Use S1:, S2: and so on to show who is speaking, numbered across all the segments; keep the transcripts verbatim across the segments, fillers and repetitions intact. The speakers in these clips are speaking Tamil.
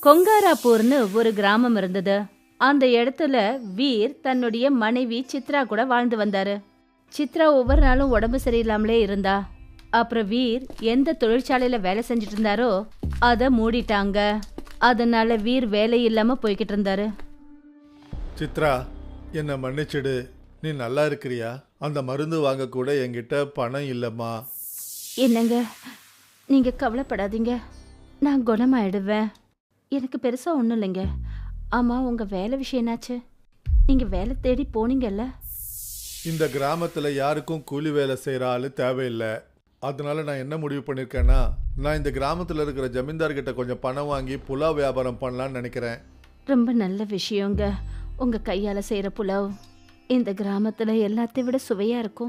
S1: கொங்காராப்பூர்னு ஒரு கிராமம் இருந்தது. அந்த இடத்துல வீர் தன்னுடைய மனைவி சித்ரா கூட வாழ்ந்து வந்தாரு. சித்ரா ஒவ்வொரு நாளும் உடம்பு சரியில்லாமலே இருந்தா. அப்புறம் வீர் எந்த தொழிற்சாலையில வேலை செஞ்சுட்டு இருந்தாரோ அதை மூடிட்டாங்க. அதனால வீர் வேலை இல்லாம போய்கிட்டு இருந்தாரு.
S2: சித்ரா, என்னை மன்னிச்சிடு. நீ நல்லா இருக்கிறியா? அந்த மருந்து வாங்க கூட என்கிட்ட பணம் இல்லைம்மா.
S1: என்னங்க, நீங்க கவலைப்படாதீங்க, நான் குணமாயிடுவேன். எனக்கு பெருசா ஒன்றும் இல்லைங்க. ஆமா, உங்க வேலை விஷயம் என்னாச்சு? நீங்க வேலை தேடி போனீங்கல்ல?
S2: இந்த கிராமத்தில் யாருக்கும் கூலி வேலை செய்கிற ஆள் தேவையில்லை. அதனால நான் என்ன முடிவு பண்ணியிருக்கேன்னா, நான் இந்த கிராமத்தில் இருக்கிற ஜமீன்தார்கிட்ட கொஞ்சம் பணம் வாங்கி புலாவ் வியாபாரம் பண்ணலான்னு நினைக்கிறேன்.
S1: ரொம்ப நல்ல விஷயங்க. உங்க கையால செய்யற புலாவ் இந்த கிராமத்துல எல்லாத்தையும் விட சுவையா இருக்கும்.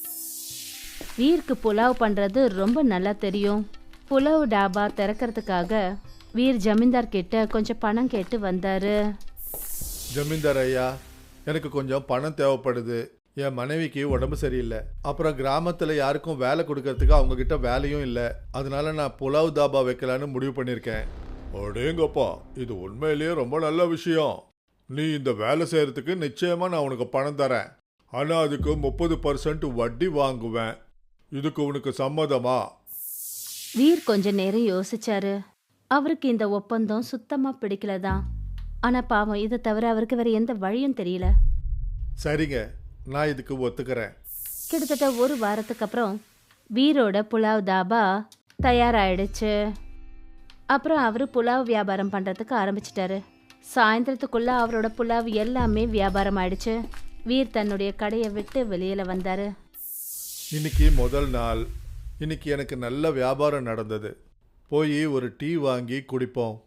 S1: வீருக்கு புலாவ் பண்றது ரொம்ப நல்லா தெரியும். புலாவ் டாபா திறக்கிறதுக்காக வீர் ஜமீன்தார் கிட்ட கொஞ்சம் பணம் கேட்டு வந்தாரு.
S2: ஜமீன்தார் ஐயா, எனக்கு கொஞ்சம் பணம் தேவைப்படுது. என் மனைவிக்கு உடம்பு சரியில்லை. அப்புறம் கிராமத்தில் யாருக்கும் வேலை கொடுக்கறதுக்கு அவங்க கிட்ட வேலையும் இல்லை. அதனால நான் புலாவ் தாபா வைக்கலான்னு முடிவு பண்ணியிருக்கேன். அடேங்கப்பா, இது உண்மையிலேயே ரொம்ப நல்ல விஷயம். நீ இந்த வேலை செய்யறதுக்கு நிச்சயமா நான் உனக்கு பணம் தரேன். ஆனால் அதுக்கு முப்பது பர்சன்ட் வட்டி வாங்குவேன். இதுக்கு உனக்கு சம்மதமா?
S1: வீர் கொஞ்ச நேரம் யோசிச்சாரு. அவருக்கு இந்த ஒப்பந்தம் சுத்தமா பிடிக்கலதான். ஆனா பாவம், இதை தவிர அவருக்கு வேற எந்த வழியும் தெரியல.
S2: சரிங்க, நான் இதுக்கு ஒத்துக்கிறேன்.
S1: கிட்டத்தட்ட ஒரு வாரத்துக்கு அப்புறம் வீரோட புலாவ் தாபா தயாராயிடுச்சு. அப்புறம் அவரு புலாவ் வியாபாரம் பண்றதுக்கு ஆரம்பிச்சிட்டாரு. சாயந்தரத்துக்குள்ள அவரோட புலாவ் எல்லாமே வியாபாரம் ஆயிடுச்சு. வீர் தன்னுடைய கடையை விட்டு வெளியில வந்தாரு.
S2: இன்னைக்கு முதல் நாள். இன்னைக்கு எனக்கு நல்ல வியாபாரம் நடந்தது. போய் ஒரு டீ வாங்கி குடிப்போம்.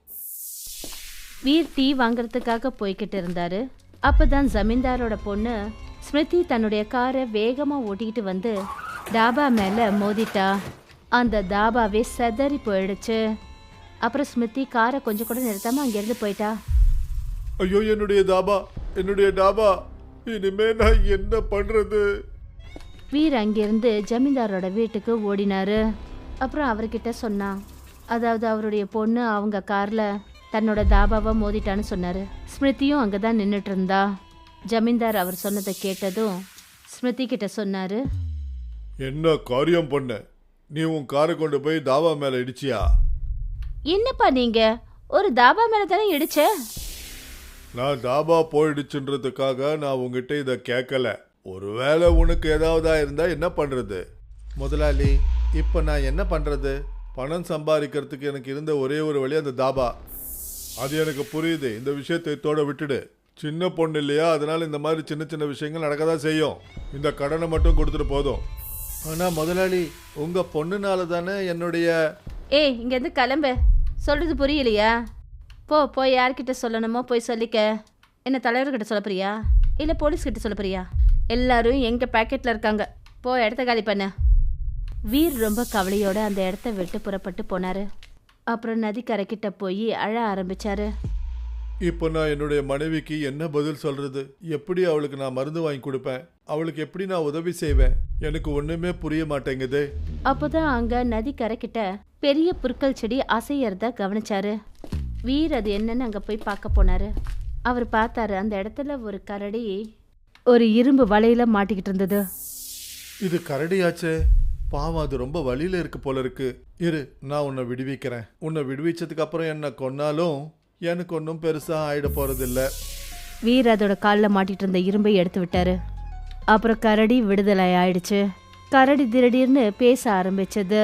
S1: வீர் டீ வாங்கறதுக்காக போய்கிட்டு இருந்தாரு. அப்பதான் ஜமீன்தாரோட பொண்ணு ஸ்மிருதி தன்னுடைய காரை வேகமா ஓட்டிக்கிட்டு வந்து டாபா மேல மோதிட்டா. அந்த தாபாவே செதறி போயிடுச்சு. அப்புறம் ஸ்மிருதி காரை கொஞ்சம் கூட நிறுத்தாம அங்கிருந்து போயிட்டா.
S2: ஐயோ, என்னுடைய தாபா, என்னுடைய டாபா, இனிமே நான் என்ன பண்றது?
S1: வீர் அங்கிருந்து ஜமீன்தாரோட வீட்டுக்கு ஓடினாரு. அப்புறம் அவர்கிட்ட சொன்னான். அதாவது அவருடைய பொண்ணு அவங்க கார்ல தன்னோட தாபாவை மோதிட்டான்னு சொன்னாரு. ஸ்மிருதியும் அங்கதான் நின்றுட்டு இருந்தா. ஜமீன்தார் அவர் சொன்னதை கேட்டதும் ஸ்மிருதி கிட்ட சொன்னாரு,
S2: என்ன காரியம் பண்ண? நீ உன் காரை கொண்டு போய் தாபா மேல இடிச்சியா?
S1: என்னப்பா நீங்க ஒரு தாபா மேல தானே இடிச்ச?
S2: நான் தாபா போயிடுச்சுன்றதுக்காக நான் உங்ககிட்ட இதை கேட்கல. ஒருவேளை உனக்கு ஏதாவதா இருந்தா என்ன பண்றது? முதலாளி, இப்ப நான் என்ன பண்றது? பணம் சம்பாதிக்கிறதுக்கு எனக்கு இருந்த ஒரே ஒரு வழி அந்த தாபா. அது எனக்கு புரியுது. இந்த விஷயத்தை தோட விட்டுடு. சின்ன பொண்ணு இல்லையா, அதனால இந்த மாதிரி சின்ன சின்ன விஷயங்கள் நடக்கதான் செய்யும். இந்த கடனை மட்டும் கொடுத்துட்டு போதும். ஆனா முதலாளி, உங்க பொண்ணுனால தானே என்னுடைய...
S1: ஏய், இங்க இருந்து கிளம்பு. சொல்றது புரியலையா? போ, போய் யார்கிட்ட சொல்லணுமோ போய் சொல்லிக்க. என்ன தலைவர்கிட்ட சொல்ல போறியா இல்ல போலீஸ் கிட்ட சொல்ல போறியா? எல்லாரும் எங்க பாக்கெட்ல இருக்காங்க. போ, இடத்த காலி பண்ண. வீர் ரொம்ப கவலையோட அந்த இடத்த விட்டு புறப்பட்டு போனாரு. அப்புறம் நதிக்கரைக்கிட்ட போய் அழ ஆரம்பிச்சாரு.
S2: இப்போ நான் என்னுடைய மனைவிக்கு என்ன பதில் சொல்றது? எப்படி அவளுக்கு நான் மருந்து வாங்கி கொடுப்பேன்? அவளுக்கு எப்படி நான் உதவி செய்வேன்? எனக்கு ஒண்ணுமே புரிய மாட்டேங்குது.
S1: அப்போதான் அங்க நதிக்கரைக்கிட்ட பெரிய புற்கள் செடி அசையறத கவனிச்சாரு. வீர் அது என்னன்னு அங்க போய் பார்க்க போனாரு. அவர் பார்த்தாரு, அந்த இடத்துல ஒரு கரடி ஒரு இரும்பு வலையில மாட்டிக்கிட்டு இருந்தது.
S2: இது கரடியாச்சே, பாவம், அது ரொம்ப வழியில இருக்கு போல இருக்கு. இரு, நான் உன்னை விடுவிக்கிறேன். உன்னை விடுவிச்சதுக்கு அப்புறம் என்ன கொன்னாலும் எனக்கு ஒன்றும் பெருசா ஆயிட போறதில்ல.
S1: வீர் அதோட காலில் மாட்டிட்டு இருந்த இரும்பை எடுத்து விட்டாரு. அப்புறம் கரடி விடுதலை ஆயிடுச்சு. கரடி திடீர்னு பேச ஆரம்பிச்சது.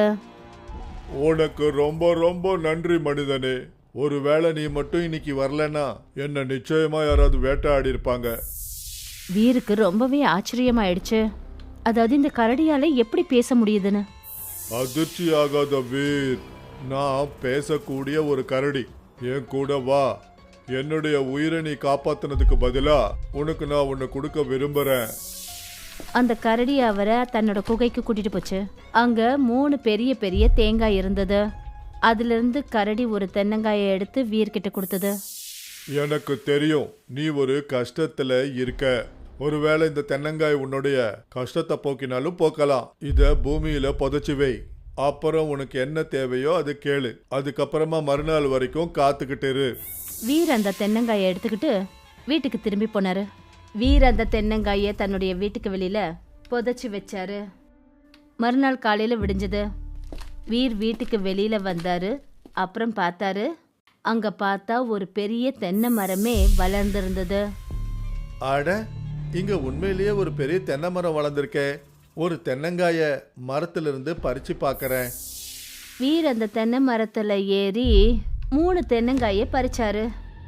S2: உனக்கு ரொம்ப ரொம்ப நன்றி மனிதனே. ஒருவேளை நீ மட்டும் இன்னைக்கு வரலன்னா என்ன நிச்சயமா யாராவது வேட்டையாடி இருப்பாங்க.
S1: வீருக்கு ரொம்பவே ஆச்சரியமாயிடுச்சு. அதாவது இந்த கரடியால எப்படி பேச முடியுதுன்னு.
S2: அதிர்ச்சி ஆகாத வீர், நான் பேசக்கூடிய ஒரு கரடி. என் கூட வா. என்னுடைய உயிரை நீ காப்பாத்தினதுக்கு பதிலா உனக்கு நான் உன்னை கொடுக்க விரும்புறேன்.
S1: அந்த கரடி அவரை தன்னோட குகைக்கு கூட்டிட்டு போச்சு. அங்க மூணு பெரிய பெரிய தேங்காய் இருந்தது. அதுல இருந்து கரடி ஒரு தென்னங்காயை எடுத்து வீர்கிட்ட கொடுத்தது.
S2: எனக்கு தெரியும் நீ ஒரு கஷ்டத்துல இருக்க. ஒருவேளை இந்த தென்னங்காய் உன்னுடைய கஷ்டத்தை போக்கினாலும் போக்கலாம். இத பூமியில புதைச்சு வை. அப்புறம் உனக்கு என்ன தேவையோ அது கேளு. அதுக்கப்புறமா மறுநாள் வரைக்கும் காத்துக்கிட்டு இரு.
S1: வீர் அந்த தென்னங்காயை எடுத்துக்கிட்டு வீட்டுக்கு திரும்பி போனாரு. வீர் அந்த தென்னங்காயை தன்னுடைய வீட்டுக்கு வெளியில புதைச்சி வச்சாரு. மறுநாள் காலையில விடிஞ்சது. வீர் வீட்டுக்கு வெளியில வந்தாரு. அப்புறம் பார்த்தாரு, அங்க பார்த்தா ஒரு பெரிய தென்னை மரமே வளர்ந்திருந்தது.
S2: அட, இங்க உண்மையிலேயே ஒரு பெரிய தென்னை மரம் வளர்ந்துருக்கே. ஒரு தென்னங்காய மரத்திலிருந்து பறிச்சு பார்க்கறேன்.
S1: வீர் அந்த தென்னை மரத்துல ஏறி மூணு தென்னங்காயை பறிச்சாரு.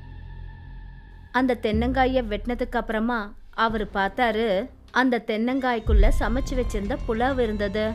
S1: அந்த தென்னங்காயை வெட்டினதுக்கு அப்புறமா அவர் பார்த்தாரு, அந்த தென்னங்காய்க்குள்ள சமைச்சு வச்சிருந்த புலாவ் இருந்தது.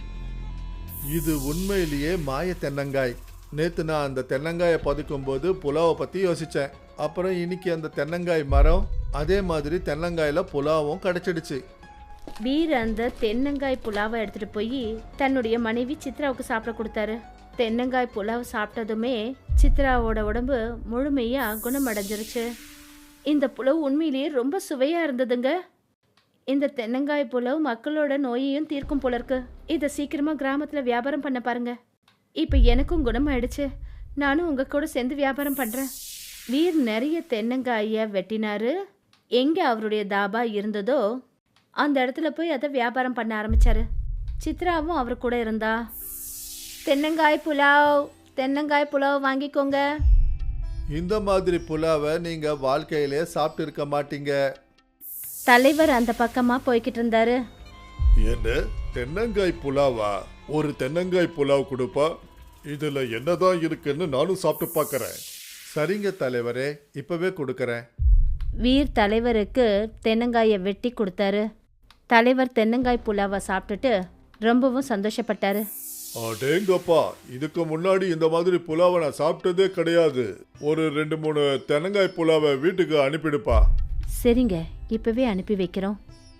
S2: இது உண்மையிலேயே மாய தென்னங்காய். நேத்து நான் அந்த தென்னங்காயை பதுக்கும் போது புலாவை பத்தி யோசிச்சேன். அப்புறம் இன்னைக்கு அந்த தென்னங்காய் மரம், அதே மாதிரி தென்னங்காயில புலாவும் கிடைச்சிடுச்சு.
S1: வீர் அந்த தென்னங்காய் புலாவை எடுத்துட்டு போய் தன்னுடைய மனைவி சித்ராவுக்கு சாப்பிட கொடுத்தாரு. தென்னங்காய் புலாவ் சாப்பிட்டதுமே சித்ராவோட உடம்பு முழுமையா குணமடைஞ்சிருச்சு. இந்த புலாவ் உண்மையிலேயே ரொம்ப சுவையா இருந்ததுங்க. இந்த தென்னங்காய் புலாவ் மக்களோட நோயையும் தீர்க்கும் போல இருக்கு. இதை சீக்கிரமா கிராமத்துல வியாபாரம் பண்ண பாருங்க. இப்ப எனக்கும் குணமாயிடுச்சு. நானும் உங்க கூட சேர்ந்து வியாபாரம் பண்றேன். வீர் நிறைய தென்னங்காய வெட்டினாரு. எங்க அவருடைய தாபா இருந்ததோ அந்த இடத்துல போய் அதை வியாபாரம் பண்ண ஆரம்பிச்சாரு. சித்ராவும் அவர் கூட இருந்தா. தென்னங்காய் புலாவ், தென்னங்காய் புலாவ் வாங்கிக்கோங்க.
S2: இந்த மாதிரி புலாவை நீங்க வாழ்க்கையிலே சாப்பிட்டு இருக்க மாட்டீங்க.
S1: தலைவர் அந்த பக்கமா போய்கிட்டு இருந்தாரு.
S2: என்ன தென்னங்காய் புலாவா? ஒரு தென்னங்காய் புலாவ் கொடுப்பா? இதுல என்னதான் இருக்குன்னு நானும் சாப்பிட்டு பார்க்கறேன். சரிங்க தலைவரே, இப்பவே கொடுக்கறேன்.
S1: வீர் தலைவருக்கு தென்னங்காயை வெட்டி கொடுத்தாரு. தலைவர் தென்னங்காய் புலாவை சாப்பிட்டுட்டு ரொம்பவும் சந்தோஷப்பட்டாரு.
S2: அடேங்கப்பா, இதுக்கு முன்னாடி இந்த மாதிரி புலாவை நான் சாப்பிட்டதே கிடையாது. ஒரு ரெண்டு மூணு தென்னங்காய் புலாவை வீட்டுக்கு அனுப்பிடுப்பா.
S1: சரிங்க, இப்பவே அனுப்பி வைக்கிறோம்.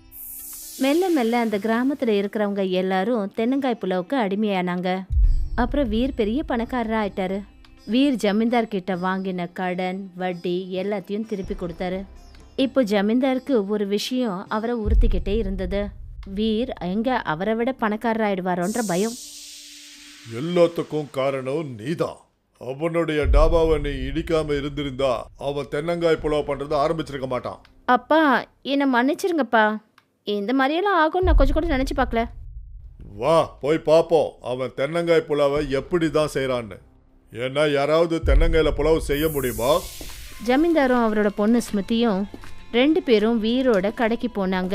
S1: மெல்ல மெல்ல அந்த கிராமத்துல இருக்கிறவங்க எல்லாரும் தென்னங்காய் புலாவுக்கு அடிமையானாங்க. அப்புறம் வீர் பெரிய பணக்காரரா ஆயிட்டாரு. வீர் ஜமீன்தார் கிட்ட வாங்கின கடன் வட்டி எல்லாத்தையும் திருப்பி கொடுத்தாரு. இப்போ ஜமீன்தாருக்கு ஒரு விஷயம் அவரை உறுத்திக்கிட்டே இருந்தது. வீர் எங்க அவரை விட பணக்காரர் ஆயிடுவாரோன்ற பயம்.
S2: எல்லாத்துக்கும் காரணம் நீதான். அவனுடைய டாபாவை நீ இடிக்காம இருந்திருந்தா அவன் தென்னங்காய் புலாவ் பண்றதை ஆரம்பிச்சிருக்க மாட்டான்.
S1: அப்பா, என்னை மன்னிச்சிருங்கப்பா. இந்த மாதிரியெல்லாம் ஆகும்னு நான் கொஞ்சம் கூட நினைச்சு பார்க்கல.
S2: வா போய் பார்ப்போம் அவன் தென்னங்காய் புலாவை எப்படி தான் செய்யறான்னு. ஏன்னா யாராவது தென்னங்காயில புலாவ் செய்ய முடியுமா?
S1: ஜமீன்தாரும் அவரோட பொண்ணு ஸ்மிருதியும் ரெண்டு பேரும் வீரோட கடைக்கு போனாங்க.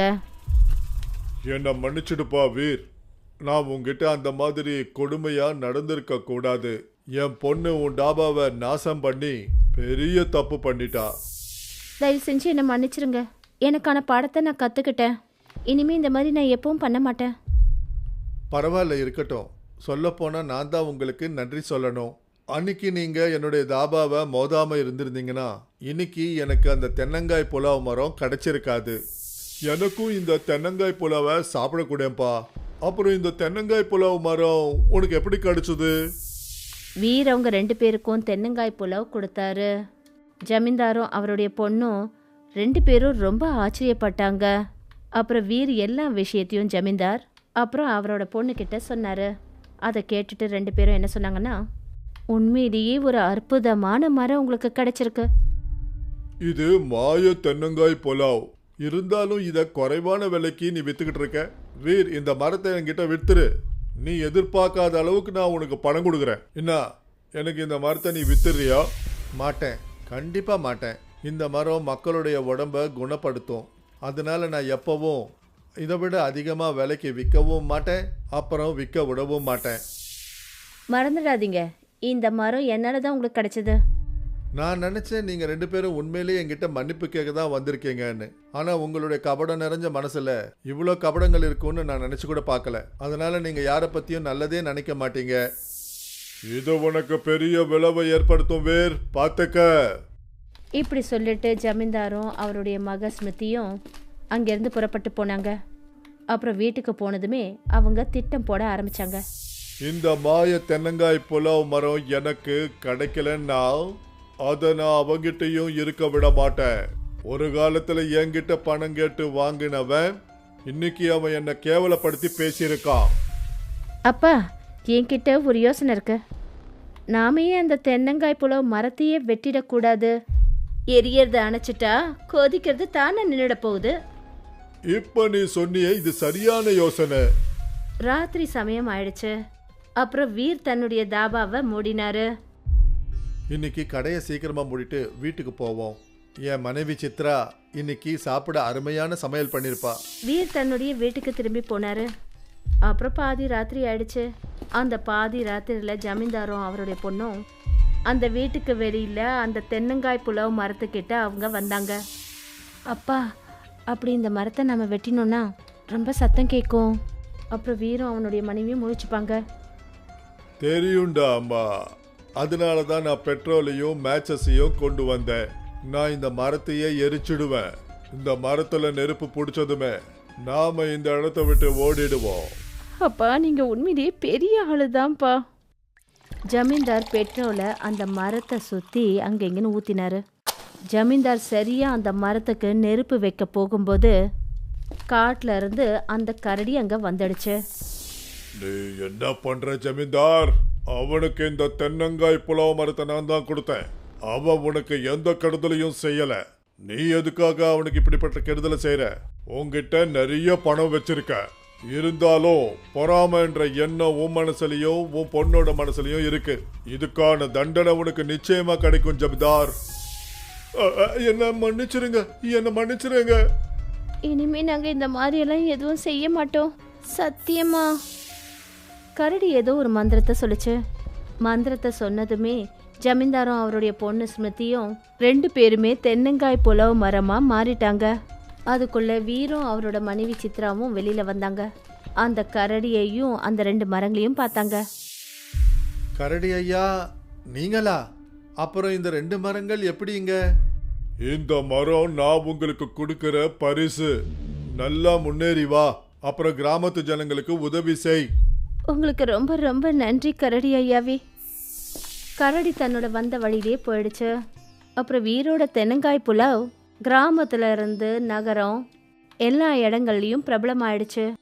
S2: என்ன மன்னிச்சிடுப்பா வீர், நான் உங்ககிட்ட அந்த மாதிரி கொடுமையா நடந்திருக்க கூடாது. என் பொண்ணு உன் டாபாவை நாசம் பண்ணி பெரிய தப்பு பண்ணிட்டா.
S1: தயவு செஞ்சு என்னை மன்னிச்சிருங்க. எனக்கான பாடத்தை நான் கற்றுக்கிட்டேன். இனிமே இந்த மாதிரி நான் எப்பவும் பண்ண மாட்டேன்.
S2: பரவாயில்ல, இருக்கட்டும். சொல்லப்போனா நான் தான் உங்களுக்கு நன்றி சொல்லணும். அன்னைக்கு நீங்க என்னுடைய தாபாவை மோதாம இருந்திருந்தீங்கன்னா இன்னைக்கு எனக்கு அந்த தென்னங்காய் புலாவ் மரம் கிடைச்சிருக்காது. எனக்கும் இந்த தென்னங்காய் புலாவை சாப்பிடக்கூடப்பா. அப்புறம் இந்த தென்னங்காய் புலாவ் மரம் உனக்கு எப்படி கிடைச்சது?
S1: வீர் அவங்க ரெண்டு பேருக்கும் தென்னங்காய் புலாவ் கொடுத்தாரு. ஜமீன்தாரும் அவருடைய பொண்ணும் ரெண்டு பேரும் ரொம்ப ஆச்சரியப்பட்டாங்க. அப்புறம் வீர் எல்லா விஷயத்தையும் ஜமீன்தார் அப்புறம் அவரோட பொண்ணுக்கிட்ட சொன்னார். அதை கேட்டுட்டு ரெண்டு பேரும் என்ன சொன்னாங்கன்னா, உண்மையிலேயே ஒரு அற்புதமான மரம் உங்களுக்கு கிடைச்சிருக்கு.
S2: இது மாய தென்னங்காய் புலாவ். இருந்தாலும் இதை குறைவான விலைக்கு நீ வித்துக்கிட்டு இருக்க. வீர், இந்த மரத்தை என்கிட்ட வித்துரு. நீ எதிர்பார்க்காத அளவுக்கு நான் உனக்கு பணம் கொடுக்குறேன். என்ன, எனக்கு இந்த மரத்தை நீ வித்துறியா? மாட்டேன், கண்டிப்பா மாட்டேன். இந்த மரம் மக்களுடைய உடம்பை குணப்படுத்தும். அதனால நான் எப்பவும் இதை விட அதிகமாக விலைக்கு விற்கவும் மாட்டேன், அப்புறம் விற்க விடவும் மாட்டேன்.
S1: மறந்துடாதீங்க, இந்த மரம் என்னால் தான் உங்களுக்கு கிடைச்சது.
S2: நான் நினச்சேன் நீங்கள் ரெண்டு பேரும் உண்மையிலேயே என்கிட்ட மன்னிப்பு கேட்க தான் வந்திருக்கீங்கன்னு. ஆனால் உங்களுடைய கபடம் நிறைஞ்ச மனசில் இவ்வளோ கபடங்கள் இருக்குன்னு நான் நினச்சி கூட பார்க்கல. அதனால் நீங்கள் யாரை பற்றியும் நல்லதே நினைக்க மாட்டீங்க. இது உனக்கு பெரிய விளைவை ஏற்படுத்தும் வேர், பார்த்துக்க.
S1: இப்படி சொல்லிட்டு ஜமீன்தாரும் அவருடைய மக ஸ்மிருதியும் அங்கேருந்து புறப்பட்டு போனாங்க. அப்புறம் வீட்டுக்கு போனதுமே அவங்க திட்டம் போட ஆரம்பிச்சாங்க.
S2: இந்த மாய தென்னங்காய் புலாவ் மரம் எனக்கு கிடைக்கலன்னா அதை நான் அவங்கிட்டையும் இருக்க விட மாட்டேன். ஒரு காலத்துல என்கிட்ட பணம் கேட்டு வாங்கினவன் இன்னைக்கு அவன் என்னை கேவலப்படுத்தி பேசியிருக்கான்.
S1: அப்பா, என்கிட்ட ஒரு யோசனை இருக்கு. நாமே அந்த தென்னங்காய் புலவு மரத்தையே வெட்டிடக்கூடாது. எரியறத அணைச்சிட்டா கொதிக்கிறது தானே நின்றுட போகுது.
S2: இப்ப நீ சொன்னியே, இது சரியான யோசனை.
S1: ராத்திரி சமயம் ஆயிடுச்சு. அப்புறம் வீர் தன்னுடைய தாபாவை மூடினாரு.
S2: இன்னைக்கு கடையை சீக்கிரமா மூடிட்டு வீட்டுக்கு போவோம். என் மனைவி சித்ரா இன்னைக்கு சாப்பிட அருமையான சமையல் பண்ணிருப்பா.
S1: வீர் தன்னுடைய வீட்டுக்கு திரும்பி போனாரு. அப்புறம் பாதி ராத்திரி ஆயிடுச்சு. அந்த பாதி ராத்திரியில ஜமீன்தாரும் அவருடைய பொண்ணும் அந்த வீட்டுக்கு வெளியில அந்த தென்னங்காய் புலவு மரத்துக்கிட்ட அவங்க வந்தாங்க. அப்பா, அப்படி இந்த மரத்தை நம்ம வெட்டினோம்னா ரொம்ப சத்தம் கேட்கும். அப்புறம் வீரும் அவனுடைய மனைவியும் முழிச்சுப்பாங்க.
S2: தெரியும்டா அம்மா, அதனால தான் நான் பெட்ரோலையும் மேட்சஸையும் கொண்டு வந்தேன். நான் இந்த மரத்தையே எரிச்சிடுவேன். இந்த மரத்துல நெருப்பு பிடிச்சதுமே நாம இந்த இடத்த விட்டு ஓடிடுவோம்.
S1: அப்பா, நீங்க உண்மையிலேயே பெரிய ஆளுதான்ப்பா. ஜமீன்தார் பெட்ரோலை அந்த மரத்தை சுத்தி அங்கெங்கன்னு ஊத்தினாரு. ஜமீன்தார் சரியா அந்த மரத்துக்கு நெருப்பு வைக்க போகும்போது காட்டுல இருந்து அந்த கரடி அங்க வந்துடுச்சு.
S2: நீ என்ன பண்ற ஜமீன்தார்? அவனுக்கு இந்த தென்னங்காய் புலாவ மரத்தை நான் தான் கொடுத்தேன். அவன் உனக்கு எந்த கெடுதலையும் செய்யல. நீ எதுக்காக அவனுக்கு இப்படிப்பட்ட கெடுதலை செய்யற? உன்கிட்ட நிறைய பணம் வச்சிருக்க. இருந்தாலும் பொறாம என்ற எண்ணம் உன் மனசுலயும் உன் பொண்ணோட மனசுலயும் இருக்கு. இதுக்கான தண்டனை உனக்கு நிச்சயமா கிடைக்கும் ஜமீன்தார். என்ன மன்னிச்சிருங்க, என்ன மன்னிச்சிருங்க.
S1: இனிமே நாங்க இந்த மாதிரி எல்லாம் எதுவும் செய்ய மாட்டோம், சத்தியமா. கரடி ஏதோ ஒரு மந்திரத்தை சொல்லுச்சு. மந்திரத்தை சொன்னதுமே ஜமீன்தாரும் அவருடைய பொண்ணு ஸ்மிருதியும் ரெண்டு பேருமே தென்னங்காய் புலவு மரமா மாறிட்டாங்க. அதுக்குள்ள வீரும் அவரோட மனைவி சித்ராவும் வெளியில வந்தாங்க. அந்த கரடியையும் அந்த ரெண்டு மரங்களையும் பார்த்தாங்க.
S2: கரடி ஐயா, நீங்களா? அப்புறம் இந்த ரெண்டு மரங்கள் எப்படிங்க? இந்த மரம் நான் உங்களுக்கு கொடுக்கிற பரிசு. நல்லா முன்னேறி வா, அப்புறம் கிராமத்து ஜனங்களுக்கு உதவி செய்.
S1: உங்களுக்கு ரொம்ப ரொம்ப நன்றி கரடி ஐயாவே. கரடி தன்னோட வந்த வழியிலே போயிடுச்சு. அப்புறம் வீரோட தென்னங்காய் புலாவ் கிராமத்துல இருந்து நகரம் எல்லா இடங்கள்லயும் பிரபலமாயிடுச்சு.